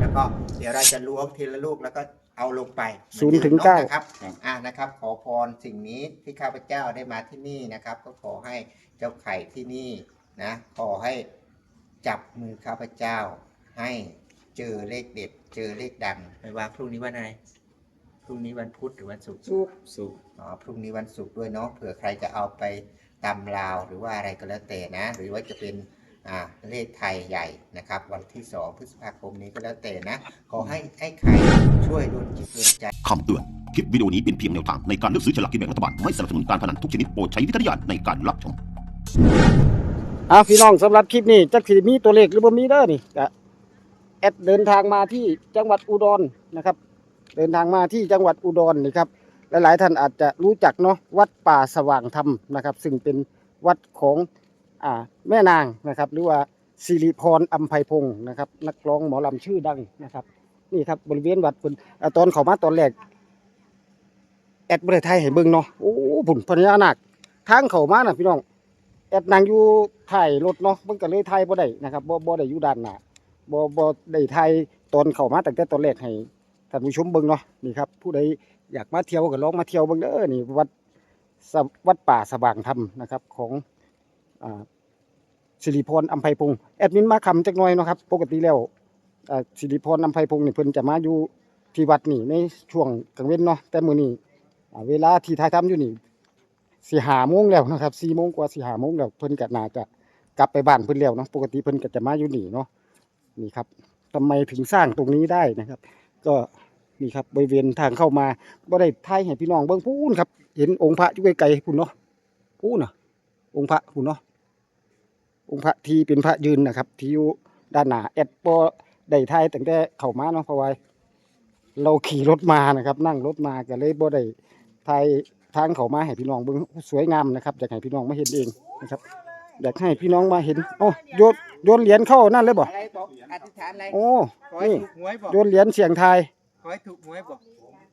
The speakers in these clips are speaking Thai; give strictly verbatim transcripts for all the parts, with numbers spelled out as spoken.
แล้วก็เดี๋ยวเราจะล้วงทีละลูกแล้วก็เอาลงไปศูนย์ถึงเก้านะครับอ่านะครับขอพรสิ่งนี้ที่ข้าพเจ้าได้มาที่นี่นะครับก็ขอให้เจ้าไข่ที่นี่นะขอให้จับมือข้าพเจ้าให้เจอเลขเด็ดเจอเลขดังไม่ว่าพรุ่งนี้วันอะไรพรุ่งนี้วันพุธหรือวันศุกร์สุกศุกร์อ๋อพรุ่งนี้วันศุกร์ด้วยเนาะเผื่อใครจะเอาไปตำราวหรือว่าอะไรก็แล้วแต่นะหรือว่าจะเป็นอ่าเลขไทยใหญ่นะครับวันที่สองพฤษภาคมนี้ก็แล้วแต่นะขอให้ให้ใครช่วยดลจิตดลใจคำเตือนคลิปวิดีโอนี้เป็นเพียงแนวทางในการเลือกซื้อฉลากกินแบ่งรัฐบาลไม่สนับสนุนการพนันทุกชนิดโปรดใช้วิจารณญาณในการรับชมอ่ะพี่น้องสำหรับคลิปนี้จักสิมีตัวเลขหรือบ่มีเด้อนี่ก็แอดเดินทางมาที่จังหวัดอุดรนะครับเดินทางมาที่จังหวัดอุดรนี่ครับหลายๆท่านอาจจะรู้จักเนาะวัดป่าสว่างธรรมนะครับซึ่งเป็นวัดของอ่าแม่นางนะครับหรือว่าสิริพรอัมไพพงศ์นะครับนักร้องหมอลำชื่อดังนะครับนี่ครับบริเวณวัดคุณตอนเข้ามาตอนแรกแอดบริไทยให้เบิ่งเนาะโอ้บุญพญานาคทางเข้ามาน่ะพี่น้องแอดนั่งอยู่ถ่ายรถเนาะมันก็เลยถ่ายบ่ได้นะครับบ่บ่ได้อยู่ด้านหน้าบ่บ่ได้ถ่ายตอนเข้ามาตั้งแต่ตอนแรกให้ท่านผู้ชมเบิ่งเนาะนี่ครับผู้ใดอยากมาเที่ยวก็ลองมาเที่ยวเบิ่งเด้อนี่วัดวัดป่าสว่างธรรมนะครับของอ่าสิริพรอัมไพพงศ์แอดมินมาคำจักหน่อยเนาะครับปกติแล้วอ่าสิริพรอัมไพพงศ์นี่เพิ่นจะมาอยู่ที่วัดนี่ในช่วงกลางเว้นเนาะแต่มื้อนี้เวลาที่ถ่ายทำอยู่นี่สี่ห้าโมงแล้วนะครับสี่โมงกว่าสี่ห้าโมงแล้วเพิ่นก็น่าจะกลับไปบ้านเพิ่นแล้วเนาะปกติเพิ่นก็จะมาอยู่นี่เนาะนี่ครับทำไมถึงสร้างตรงนี้ได้นะครับก็นี่ครับบริเวณทางเข้ามาบ่ได้ถ่ายให้พี่น้องเบิ่งพูนครับเห็นองค์พระอยู่ไกลๆพุ่นเนาะพูนน่ะองค์พระพุ่นเนาะองค์พระที่เป็นพระยืนนะครับที่อยู่ด้านหน้าแอดบ่ได้ถ่ายตั้งแต่เข้ามาเนาะเพราะว่าเราขี่รถมานะครับนั่งรถมาก็เลยบ่ได้ถ่ายทางเข้ามาให้พี่น้องเบิ่งสวยงามนะครับอยากให้พี่น้องมาเห็นเองนะครับอยากให้พี่น้องมาเห็นโอ้โยนโยนเหรียญเข้านั่นเลยบ่อะไรบอกอธิษฐานอะไรโอ้นี่หวยบอกโยนเหรียญเสียงทายขอให้ถูกหวยบอก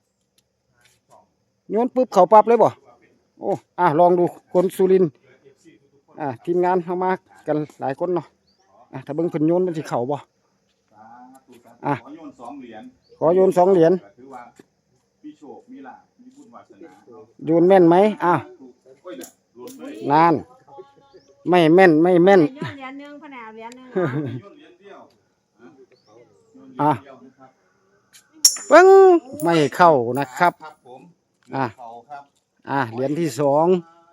โยนปุ๊บเขาปั๊บเลยบ่โอ้อ่ะลองดูคนสุรินทร์อ่ะทีมงานเข้ามากันหลายคนเนาะอ่ะถ้าเบิ่งเพิ่นโยนมันสิเข้าบ่อ่ะขอโยนสองเหรียญขอโยนสองเหรียญถือว่ามีโชคมีลาภมีบุญวาสนาโยนแม่นไหมอ่ะโอ้ยน่ะรวมเลยนานไม่แม่นไม่แม่นเหรียญหนึ่งแผนกเหรียญหนึ่งโยนเหรียญเดียวอ่ะโยนเหรียญเดียวนะครับปึ้งไม่เข้านะครับครับผมอ่ะเขาครับอ่ะเหรียญที่สอง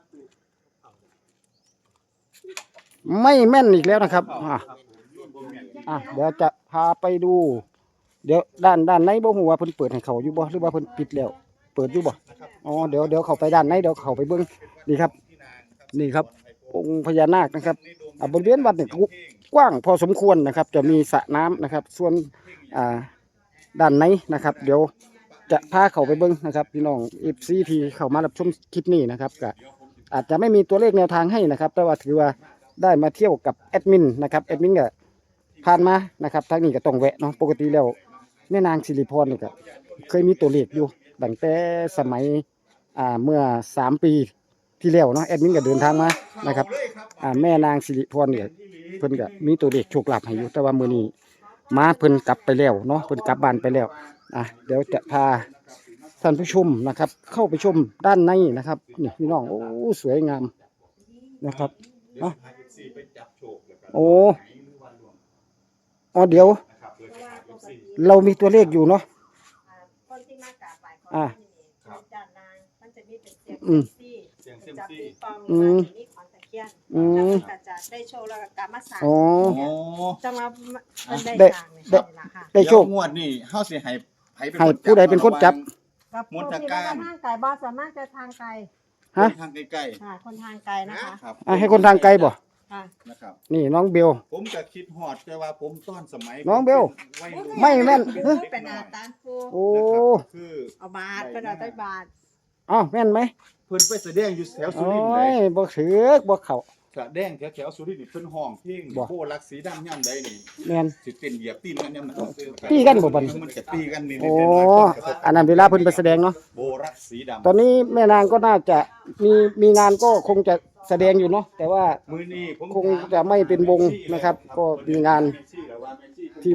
ไม่แม่นอีกแล้วนะครับอ่ะอ่ะเดี๋ยวจะพาไปดูเดี๋ยวด้านด้านในบ่ฮู้ว่าเพิ่นเปิดให้เขาอยู่บ่หรือว่าเพิ่นปิดแล้วเปิดอยู่บ่อ๋อเดี๋ยวเดี๋ยวเข้าไปด้านในเดี๋ยวเข้าไปเบิ่งนี่ครับนี่ครับองค์พญานาคนะครับอ่ะบริเวณวัดนี่กว้างพอสมควรนะครับจะมีสระน้ำนะครับส่วนอ่าด้านในนะครับเดี๋ยวจะพาเข้าไปเบิ่งนะครับพี่น้อง เอฟ ซี ที่เข้ามารับชมคลิปนี้นะครับก็อาจจะไม่มีตัวเลขแนวทางให้นะครับแต่ว่าถือว่าได้มาเที่ยวกับแอดมินนะครับแอดมินก็ผ่านมานะครับทางนี้ก็ต้องแวะเนาะปกติแล้วแม่นางสิริพรนี่ก็เคยมีตัวเลขอยู่ตั้งแต่สมัยอ่าเมื่อสามปีที่แล้วเนาะแอดมินก็เดินทางมานะครับอ่าแม่นางสิริพรเนี่ยเพิ่นก็มีตัวเลขโชคลาภให้อยู่แต่ว่ามื้อนี้มาเพิ่นกลับไปแล้วเนาะเพิ่นกลับบ้านไปแล้วอ่ะเดี๋ยวจะพาท่านผู้ชมนะครับเข้าไปชมด้านในนะครับนี่พี่น้องโอ้สวยงามนะครับอ่ะโอ้อ๋อเดี๋ยวเรามีตัวเลขอยู่เนาะคนที่มากราบไหว้ขออ่ะจานนางมันจะมีเป็นเสียงอืมซี่เสียงเซมจับซี่ปีฟองอืมนี่ของตะเคียนอืมแล้วก็จะได้โชว์แล้วก็กลับมาสั่งอ๋อโอ้จังหวะมันได้ได้สั่งเนี่ยได้นี่ล่ะค่ะได้โชคเยวงวดนี่เฮาสิให้ไผเป็นให้ผู้ใดเป็นคนจับกับมนตผู้ที่การว่าทางไกลบ่ส่วนมากจะทางไกลฮะทางใกล้ค่ะคนทางไกลนะคะๆครับอ่ะให้คนทางไกลบ่ค่ะนะครับนี่น้องเบลผมก็คิดฮอดแต่ว่าผมต้อนสมัยน้องเบลวัยรุ่นไม่แม่นพูดเป็นอาตานฟูโอ้นะครับคือเอาบาทเป็นเอาใต้บาทอ้าวแม่นไหมเพิ่นไปแสดงอยู่แถวสุโอ้รินทร์เลยยบ่ถือกบ่เข้าแสดงแถวๆสุรินทร์นี่เพิ่นห้องเพลงบ่โพลักสีดำย่ำใดนี่แม่นสิเต้นเหยียบตีนกันย่ำนั้นตีกันบ่บัดนี้มันจะตีกันนี่โอ้เป็นหลายคนกระทบอันนั้นเวลาเพิ่นไปแสดงเนาะโบรักสีดำตอนนี้แม่นางก็น่าจะมีมีงานก็คงจะแสดงอยู่เนาะแต่ว่ามือนี้ผมคงจะไม่เป็นวงนะครับก็มีงาน ที่ว่า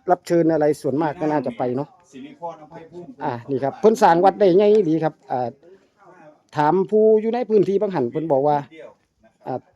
รับเชิญอะไรส่วนมากก็น่าจะไปเนาะสิริพรอภัยภูมิอ่านี่ครับเพิ่นสร้างวัดได้ไงดีครับอ่าถามผู้อยู่ในพื้นที่บางหันเพิ่นบอกว่าอ่า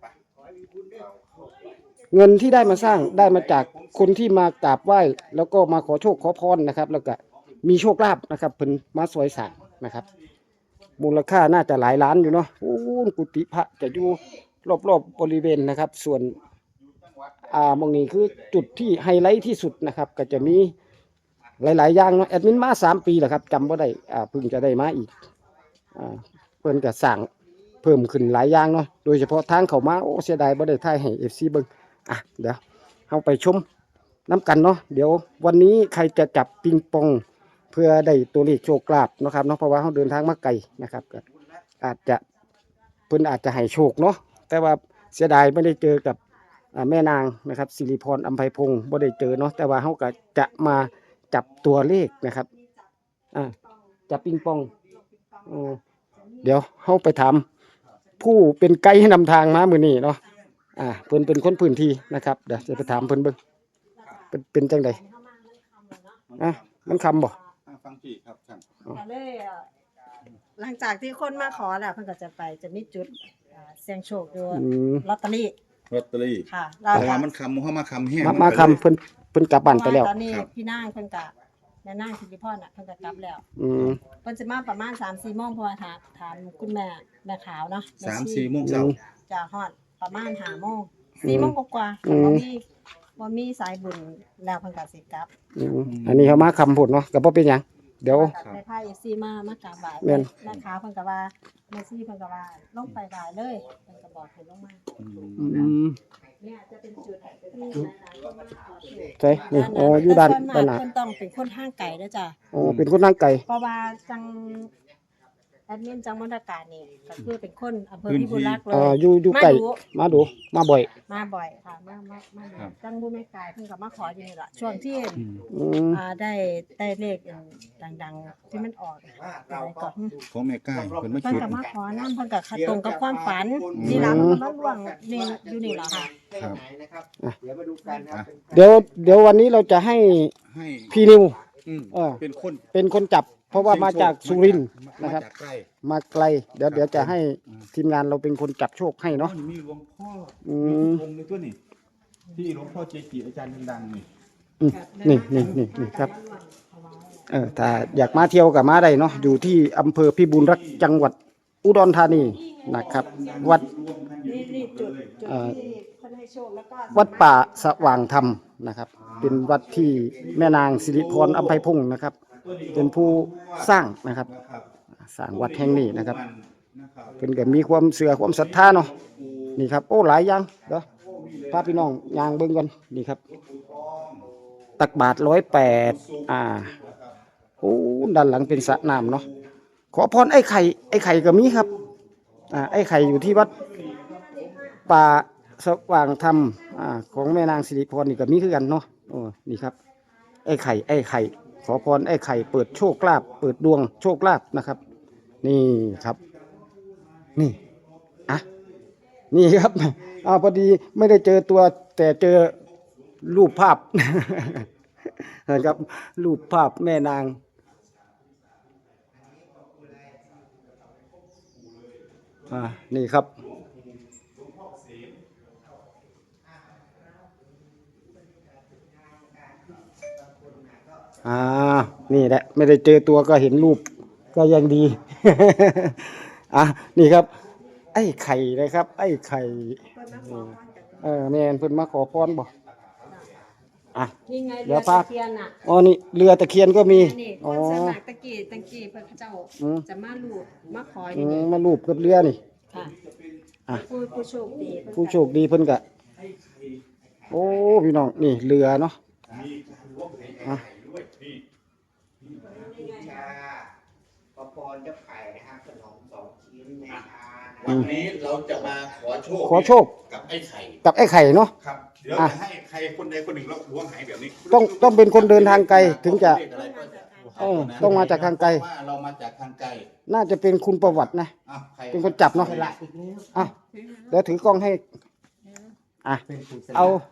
เงินที่ได้มาสร้างได้มาจากคนที่มากราบไหว้แล้วก็มาขอโชคขอพรนะครับ แล้วก็มีโชคลาภนะครับเพิ่นมาสวยสร้างนะครับ มูลค่าน่าจะหลายล้านอยู่เนาะโอ้กุฏิพระจะอยู่รอบๆบริเวณนะครับ ส่วนอ่ามองนี้คือจุดที่ไฮไลท์ที่สุดนะครับ ก็จะมีหลายๆอย่างเนาะแอดมินมาสามปีแล้วครับจำว่าได้อ่าเพิ่งจะได้มาอีกอ่าเพิ่นก็สั่งเพิ่มขึ้นหลายอย่างเนาะโดยเฉพาะทางเข้ามาโอ้เสียดายบ่ได้ถ่ายให้ เอฟ ซี เบิ่งอ่ะเดี๋ยวเฮาไปชมน้ำกันเนาะเดี๋ยววันนี้ใครจะจับปิงปองเพื่อได้ตัวเลขโชคลาภเนาะครับเนาะเพราะว่าเฮาเดินทางมาไกลนะครับก็อาจจะเพิ่นอาจจะให้โชคเนาะแต่ว่าเสียดายไม่ได้เจอกับอ่าแม่นางนะครับสิริพรอัมไพพงศ์บ่ได้เจอเนาะแต่ว่าเฮาก็จะมาจับตัวเลขนะครับอ่าจับปิงปองออเดี๋ยวเฮาไปถามผู้เป็นไกด์ให้นำทางมามื้อนี้เนาะอ่าเพิ่นเป็นคนพื้นที่นะครับเดี๋ยวจะไปถามเพิ่นเบิ่งเป็นเป็นจังไดอ่ะมันคำบ่อ่าฟังพี่ครับท่านก็เลยเอ่อหลังจากที่คนมาขอแล้วเพิ่นก็จะไปจะมีจุดอ่าเสี่ยงโชคอยู่อืมลอตเตอรี่ลอตเตอรี่ค่ะเพราะว่ามันคำเข้ามาคำแห้งมามาคำเพิ่นเพิ่นกลับบ้านไปแล้วตอนนี้ครับพี่นางเพิ่นก็แม่นางสิริพรน่ะเพิ่นก็กลับแล้วอืมเพิ่นจะมาประมาณ สามสี่โมงเพราะว่าถามถามคุณแม่แม่ขาวเนาะแสามชีสี่โมงเช้าจะฮอดประมาณห้าโมงสี่โมงกว่าๆอืมบ่มีบ่มีสายบุญแล้วเพิ่นก็สิกลับอืมอันนี้เขามาคำพูดเนาะก็บ่เป็นหยังเดี๋ยวในภาค เอฟ ซี มามากราบไหว้แม่นแม่ขาวเพิ่นก็ว่าแม่ชีเพิ่นก็ว่าลงไปไหว้เลยเพิ่นก็บอกให้ลงมาอืมเนี่ยจะเป็นจุดที่หลายๆคนมาขอโชคใช่นี่อ๋ออยู่ด้านแต่ส่วมด้านหน้าเพิ่นต้องเป็นคนทางไกลเด้อจ้ะอ๋อเป็นคนทางไกลเพราะว่าจังแอดมินจังมณฑการนี่ก็คือเป็นคนอำเภอพิบูลรักษ์เลเอ่อย อยู่อยู่ไกลมาดูมาดูมาบ่อยมาบ่อยค่ะมามามาดูจังบุแม่กายเพิ่นก็มาขออยู่นี่ล่ะช่วงที่อืมอ่าได้ได้เลขดังๆที่มันออกอะไรก่อนของแม่ก้ายเพิ่นมาเพิ่นจุดก็มาขอน้ำเพิ่นก็ตรงกับความฝันนี่ล่ะมันก็มาล่วงนี่อยู่นี่ล่ะค่ะครับนะครับเดี๋ยวมาดูกันนะครับเดี๋ยวเดี๋ยววันนี้เราจะให้ให้พี่นิวอืมเออเป็นคนเป็นคนจับ เพราะว่ามาจากสุรินทร์มานะครับจากใกล้มาไกล เดี๋ยวเดี๋ยวจะให้ทีมงานเราเป็นคนจับโชคให้อ๋อเนาะนี่มีหลวงพ่ออืมีมองค์ในตัวนี่ที่หลวงพ่อเจจิอาจารย์ดังๆนี่อืมนี่นี่นี่นี่ครับเออถ้าอยากมาเที่ยวกับมาได้เนาะอยู่ที่อำเภอพิบูลรักษ์จังหวัดอุดรธานีนะครับ วัดนี่นี่จุดจุดเอ่อที่เพิ่นให้โชคแล้วก็วัดป่าสว่างธรรมนะครับ เป็นวัดที่แม่นางสิริพรอัมไพพงศ์นะครับ เป็นผู้สร้างนะครับ สร้างวัดแห่งนี้นะครับเพิ่นก็มีความเสื่อความศรัทธาเนาะนี่ครับโอ้หลายอย่างเด้อพาพี่น้องย่างเบิ่งกันนี่ครับ ตักบาทร้อยแปดอ่าโอ้ด้านหลังเป็นสระน้ำเนาะขอพรไอ้ไข่ไอ้ไข่ก็มีครับอ่าไอ้ไข่อยู่ที่วัดป่าสว่างธรรมอ่าของแม่นางสิริพรนี่ก็มีคือกันเนาะโอ้นี่ครับ ไอ้ไข่ไอ้ไข่ขอพรไอ้ไข่เปิดโชคลาภเปิดดวงโชคลาภนะครับ นี่ครับ นี่อ่ะนี่ครับอ้าวพอดีไม่ได้เจอตัวแต่เจอรูปภาพ นะครับรูปภาพแม่นางอ่านี่ครับอ่านี่แหละไม่ได้เจอตัวก็เห็นรูปก็ยังดี อ่ะนี่ครับ ไอ้ไข่นะครับ ไอ้ไข่เออแม่นเพิ่นมาขอพรบ่อ่ะนี่ไงเดี๋เรืยอวพาตะเคียนน่ะอ๋อนี่เรือตะเคียนก็มีนี่คอ๋อนสมัครตะกี้ตะกี้เพิ่นเขาเจ้าอืมจะมาลูบมาขอออืยู่มนี่มารูปกับเรือนี่ค่ะอ่ะผู้ผู้โชคดีเพิ่นผู้โชคดีเพิ่นก็โอ้พี่น้องนี่เรือเนาะอ่ะชาขอพรเจ้าไข่นะครับขนมสองชิ้นแม่ทานะวันนี้เราจะมาขอโชคขอโชคกับไอ้ไข่กับไอ้ไข่เนาะครับ เดี๋ยวอ่ะจะให้ใครคนใดคนหนึ่งเราล้วงหายแบบนี้ต้องต้องเป็นคนเดินทางไกลถึงจะเออต้องมาจากทางไกลว่าเรามาจากทางไกลน่าจะเป็นคุณประวัตินะอ้าวใครเป็นคนจับเนาะอ่ะเดี๋ยวถือกล้องให้อ่ะเอา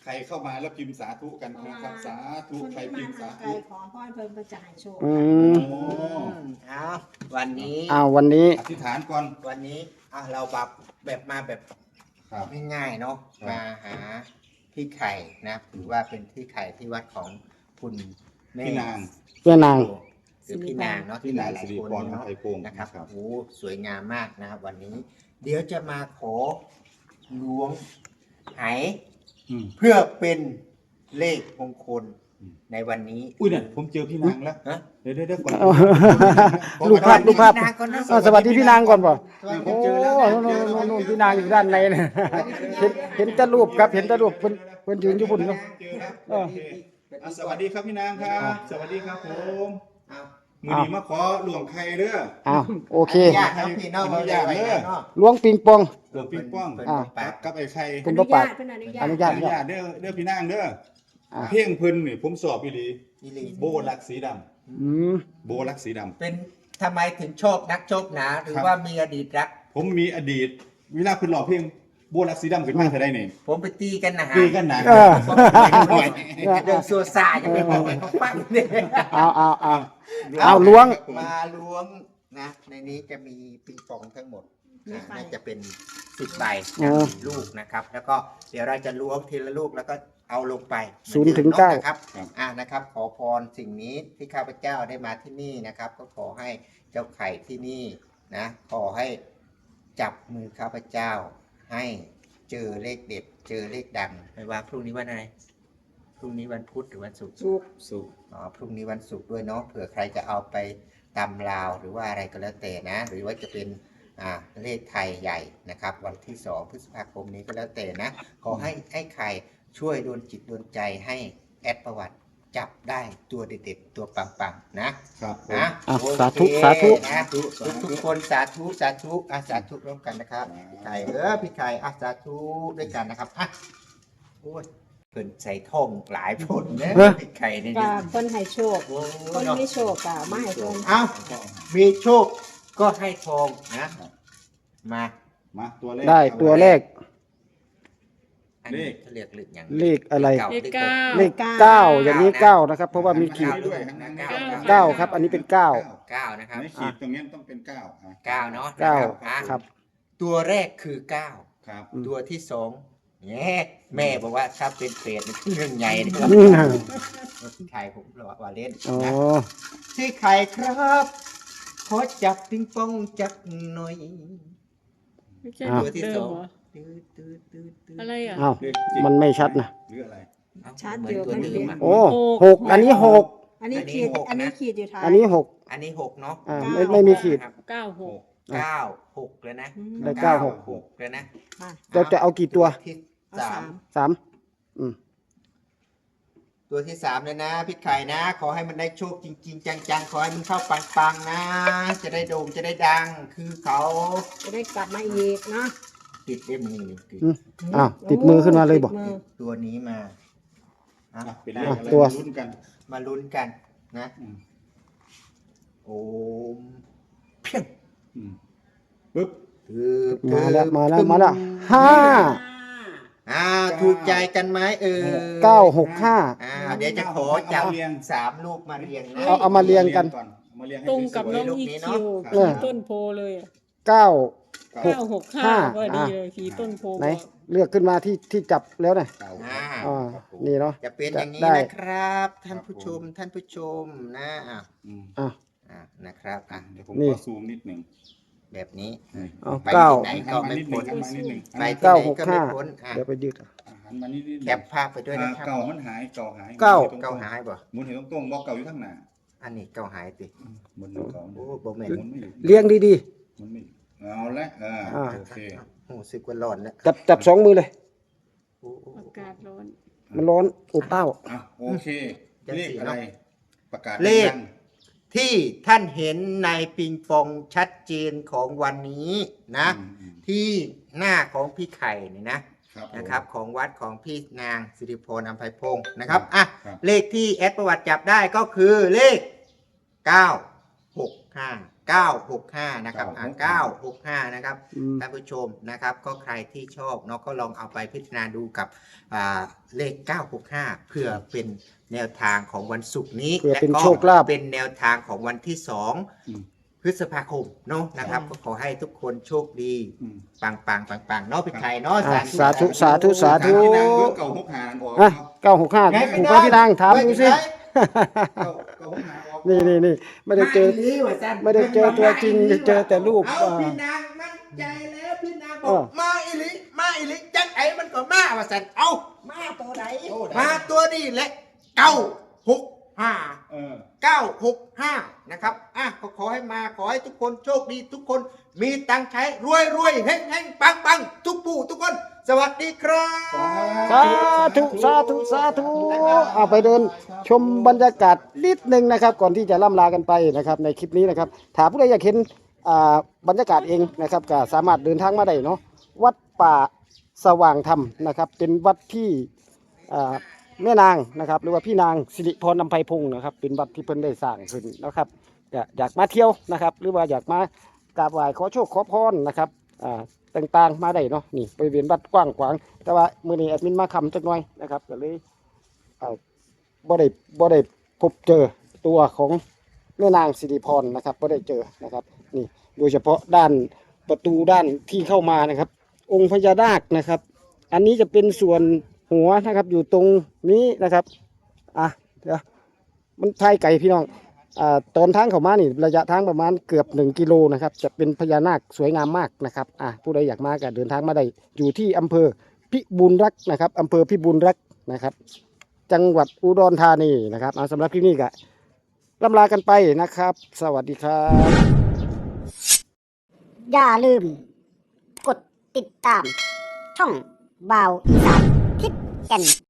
ใครเข้ามาแล้วพิมพ์สาธุกันนะครับ สาธุคนใครที่พิมามพ์สาทางไกลธุขอพรเพิ่นเพิ่นจะให้โชคอืมโอ้เอาวันนี้อ้าววันนี้อธิษฐานก่อนวันนี้อ่ะเราแบบแบบมาแบบครับง่ายๆเนาะครับมาหาพี่ไข่นะถือว่าเป็นพี่ไข่ที่วัดของคุณแม่พี่นางแม่นางหรือพี่นางเนาะพี่ที่หนางลายสิริๆคนพรเนาะไทยพงศ์นะครับครับโอ้สวยงามมากนะครับวันนี้ เดี๋ยวจะมาขอล้วงไหอืมเพื่อเป็นเลขมงคลอืมในวันนี้อุ้ยเนี่ยผมเจอพี่นางแล้วฮะเดี๋ยวเดี๋ยวเดี๋ยวก่อนเอา รูปภาพรูปภาพพี่นางก่อนนะอ้าวสวัสดีพี่นางก่อนป่ะสวัสดีโอ้เจอแล้วนะนู่นนู่นนู่นนู่นพี่นางอยู่ด้านในนะเห็นเห็นแต่รูปครับเห็นแต่รูปเพิ่นเพิ่นยืนอยู่บนเนาะเจอแล้วเออโอเคอ่ะสวัสดีครับพี่นางครับ สวัสดีครับผมเอามือนี้มาขอหลวงใครเด้ออ้าวโอเคญาติน้องพี่น้องเราได้ไว้แล้วเนาะล้วงปิงปองหลวงปิงป้องเพิ่นอ่าบอกปากกับไอ้ไข่คุอณนุป้าญาปาตดเพิ่นอนุญาอตนุอญาตนุญาตเด้อเด้อพี่นางเด้ออ่าเพ่งเพิ่นนี่ผมสอบอีหลีอีหลีโบลักสีดำอืมโบลักสีดำเป็นทำไมถึงโชคนักโชคหนาหรือครับว่ามีอดีตรักผมมีอดีตเวลาคุณหล่อเพลงโบลักสีดำขึ้นมาเท่าไดนี่ผมไปตีกันนะฮะตีกันหนาเออเรื่องสัวซาอย่าไปบอกให้เขาฟังเนี่ยเอาเอาเอาเอาล้วงมาล้วงนะในนี้จะมีปิงปองทั้งหมดนะน่าจะเป็นสิบใบอ๋อลูกนะครับ แล้วก็เดี๋ยวเราจะล้วงทีละลูกแล้วก็เอาลงไปศูนย์ถึงเก้านะครับอ่านะครับ ขอพรสิ่งนี้ที่ข้าพเจ้าได้มาที่นี่นะครับ ก็ขอให้เจ้าไข่ที่นี่นะขอให้จับมือข้าพเจ้า ให้เจอเลขเด็ด เจอเลขดังไม่ว่าพรุ่งนี้วันอะไรพรุ่งนี้วันพุธหรือวันศุกร์สุขสุขอ๋อพรุ่งนี้วันศุกร์ด้วยเนาะเผื่อใครจะเอาไปตำลาวหรือว่าอะไรก็แล้วแต่นะ หรือว่าจะเป็นอ่าเลขไทยใหญ่นะครับ วันที่สองพฤษภาคมนี้ก็แล้วแต่นะ ขอให้ไอ้ไข่ช่วยโดนจิตโดนใจให้แอดประวัติจับได้ตัวเด็ดๆตัวปังๆนะครับผมนะอ่ะโอเคสาธุสาธุนะทุกทุกๆคนสาธุสาธุอ่ะสาธุร่วมกันนะครับพี่ไข่เออพี่ไข่อ่ะสาธุด้วยกันนะครับอ่ะโอ้ยเพิ่นใส่ทองหลายผลนะเออพี่ไข่นี่ก็เพิ่นให้โชคโอ้คนเนาะมีโชคก็มาให้เพิ่นเอ้ามีโชคก็ให้ทองนะมามาตัวแรกได้ตัวแรกอันนี้เขาเรียกเลขอย่างเลขอะไรเลขเก้าเลขเก้าอย่างนี้เก้านะครับ เพราะว่ามีขีดด้วยเก้าเก้าครับ อันนี้เป็นเก้าเก้านะครับในขีดตรงนี้ต้องเป็นเก้าอ่ะเก้าเนาะเก้าอ่ะครับตัวแรกคือเก้าครับอืมตัวที่สองแง่แม่บอกว่าถ้าเป็นเปรตนี่คือเรื่องใหญ่นะครับอืมพี่ไข่ผมรอว่าเล่นอ๋อนะพี่ไข่ครับ ขอจับปิงปองจักหน่อยไม่ใช่อ้าวตัวที่สองเหรอตื้อตื้อตื้อตื้ออะไรอ่ะอ้าวเลขจิตมันไม่ชัดนะหรืออะไรเอ้าชัดเหมือยู่ตัวมันเดิเห็มนอะโอ้หกอันนี้หกอันนี้ขีดอันนี้หกนะอันนี้ขีดอยู่ท้ายอันนี้หกอันนี้หกเนาะอ่าไม่ไม่มีขีดนะครับเก้าหกเก้าหกเลยนะอืมได้เก้าหกหกเลยนะมาเราจะเอากี่ตัวที่เอาสาสาม มสามอืมตัวที่สามเลยนะพี่ไข่นะ ขอให้มันได้โชคจริง ๆ จังๆ ขอให้มันเข้าปังๆนะ จะได้โด่งจะได้ดัง คือเขาจะได้กลับมาอีกเนาะติดเล่มมือติดอืม อ้าวติดมือขึ้นมาเลยบอกติดมือตัวนี้มาอ่ะอ่ะเป็นเลขอะไรตัวมาลุ้นกันมาลุ้นกันนะอืมโอมเพียงอืมปึ๊บคือมาแล้วมาแล้วมาแล้วห้าอ่าถูกใจกันไหมเออเก้าหกห้าอ่าเดี๋ยวจะขอจับสามลูกมาเรียงนะเอาเอามาเรียงกันก่อนเอามาเรียงให้ตรงกับสวยน้องลูกอีนี้คิวเนอะขี่ต้นโพเลยอะเก้าๆหกเก้าหกห้าห้าว่าดีอ่ะเลยขี่ต้นโพไหนบอกเลือกขึ้นมาที่ที่จับแล้วนะเก้าอ่าอ่านี่เนาะจะเป็นอย่างนี้ได้นะครับ ท่านผู้ชมท่านผู้ชมนะอ่ะอืมอ่ะอ่ะนะครับอ่ะเดี๋ยวผมนี่ขอซูมนิดหนึ่งแบบนี้เอาไปเก้าที่ไหนก็ไม่พ้นหันมานิดหนึ่งไปหันที่ไหนก็เก้าหกไม่ห้าพ้นอ่ะเดี๋ยวไปยืดมาหันมานิดนิดแคปภาพไปด้วยนะครับเก่ามันหายเก่าหายเก้าเก้าหายบ่หมุนเห็นตรงๆบอกเก่าอยู่ข้างหน้าอันนี้เก้าหายติหมุนหนึ่งเก่าโอ้บ่แม่นหมุนไม่อยู่เลี้ยงดีหมุนไม่อยู่เอาละอ่าอ่าโอเคโอ้สึกว่าร้อนแล้วๆ จับจับสองมือเลยโอ้โอ้อากาศร้อนมันร้อนอบอ้าวอ่ะโอเคเลขอะไรประกาศเลขดังที่ท่านเห็นในปิงปองชัดเจนของวันนี้นะอืมอืมที่หน้าของพี่ไข่นี่นะครับผมนะครับของวัดของพี่นางสิริพรอัมไพพงศ์นะครับอ่ะครับเลขที่แอดประวัติจับได้ก็คือเลขเก้าหกห้าเก้าหกห้านะครับอ่าเก้าเก้าหกห้านะครับอืมท่านผู้ชมนะครับก็ใครที่ชอบเนาะก็ลองเอาไปพิจารณาดูกับอ่าเลขเก้าหกห้าเพื่อเป็นแนวทางของวันศุกร์นี้เพื่อเป็นและก็โชคลาภเป็นแนวทางของวันที่สองอืมพฤษภาคมเนาะนะครับก็ขอให้ทุกคนโชคดีอืมปังปังปังปังๆเนาะพี่ไข่เนาะอ่ะสาธุสาธุสาธุที่นางเบอร์เก่าหกหางออกอ่ะเก้าหกห้าไงถูกไหมพี่นางถามดูสิเก่าเก่าหกหางออกนี่นี่นี่ไม่ได้เจอลีว่าซั่นไม่ได้เจอตัวจริงเจอแต่รูปเอาอ่าพี่นางมั่นใจแล้วพี่นางบเอออกมาอีหลิมาอีหลิจังไอ้มันก็มาว่าสันเอามาตัวไหนมาตัวนี้แหละเก้าหกห้าเออเก้าหกห้านะครับอ่ะก็ขอให้มาขอให้ทุกคนโชคดีทุกคนมีตังค์ใช้รวยรวยเฮงเฮงปังปังทุกผู้ทุกคน สวัสดีครับสาธุสาธุสาธุเอาไปเดินชมบรรยากาศนิดนึงนะครับ ก่อนที่จะล่ำลากันไปนะครับ ในคลิปนี้นะครับถ้าผู้ใดอยากเห็นอ่าบรรยากาศเองนะครับก็สามารถเดินทางมาได้เนาะวัดป่าสว่างธรรมนะครับ เป็นวัดที่อ่าแม่นางนะครับ หรือว่าพี่นางสิริพรนำไพพงศ์นะครับ เป็นวัดที่เพิ่นได้สร้างขึ้นนะครับก็อยากมาเที่ยวนะครับ หรือว่าอยากมากราบไหว้ขอโชคขอพรนะครับอ่า ต่างๆมาได้เนาะนี่บริเวณวัดกว้างขวางแต่ว่ามื้อนี้แอดมินมาคำจักหน่อยนะครับก็เลยเอ่อบ่ได้บ่ได้พบเจอตัวของแม่นางสิริพรนะครับบ่ได้เจอนะครับนี่โดยเฉพาะด้านประตูด้านที่เข้ามานะครับ องค์พญานาคนะครับ อันนี้จะเป็นส่วนหัวนะครับอยู่ตรงนี้นะครับอ่ะเดี๋ยวมันทายไก่พี่น้อง อ่าตอนทางเข้ามานี่ระยะทางประมาณเกือบหนึ่งกิโลนะครับจะเป็นพญานาคสวยงามมากนะครับอ่าผู้ใดอยากมาก็เดินทางมาได้อยู่ที่อำเภอพิบูลรักษ์นะครับอำเภอพิบูลรักษ์นะครับ จังหวัดอุดรธานีนะครับเอาสำหรับคลิปนี้ก็ล่ำลากันไปนะครับ สวัสดีครับอย่าลืม กดติดตาม ช่องบ่าวอีสานทิศแก่น